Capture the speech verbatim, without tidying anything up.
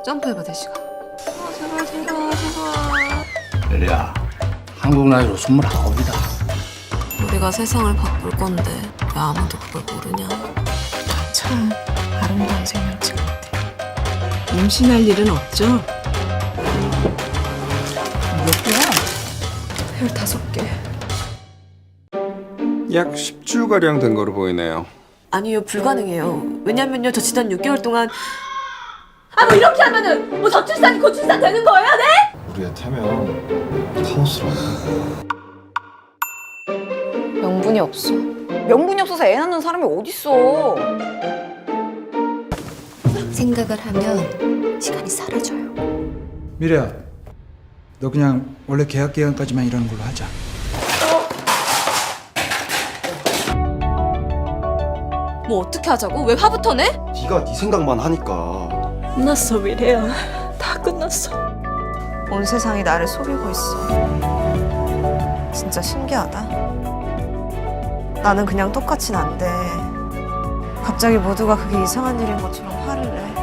점프해봐, 대시가. 아, 제발, 제발, 제발. 예리야, 한국 나이로 스물아홉이다. 우리가 세상을 바꿀 건데 왜 아무도 그걸 모르냐? 참 아름다운 생명체 같아. 임신할 일은 없죠? 몇 개야? 열다섯 개. 약 십 주가량 된 거로 보이네요. 아니요, 불가능해요. 왜냐면요, 저 지난 육 개월 동안 아, 뭐 이렇게 하면은 뭐 저출산이 고출산 되는 거예요, 네? 우리의 태명 카오스라고. 명분이 없어. 명분이 없어서 애 낳는 사람이 어딨어. 생각을 하면 시간이 사라져요. 미래야, 너 그냥 원래 계약 기간까지만 일하는 걸로 하자. 뭐 어떻게 하자고? 왜 화부터 내? 네가 네 생각만 하니까. 끝났어 미래야. 다 끝났어. 온 세상이 나를 속이고 있어. 진짜 신기하다. 나는 그냥 똑같진 않대. 갑자기 모두가 그게 이상한 일인 것처럼 화를 내.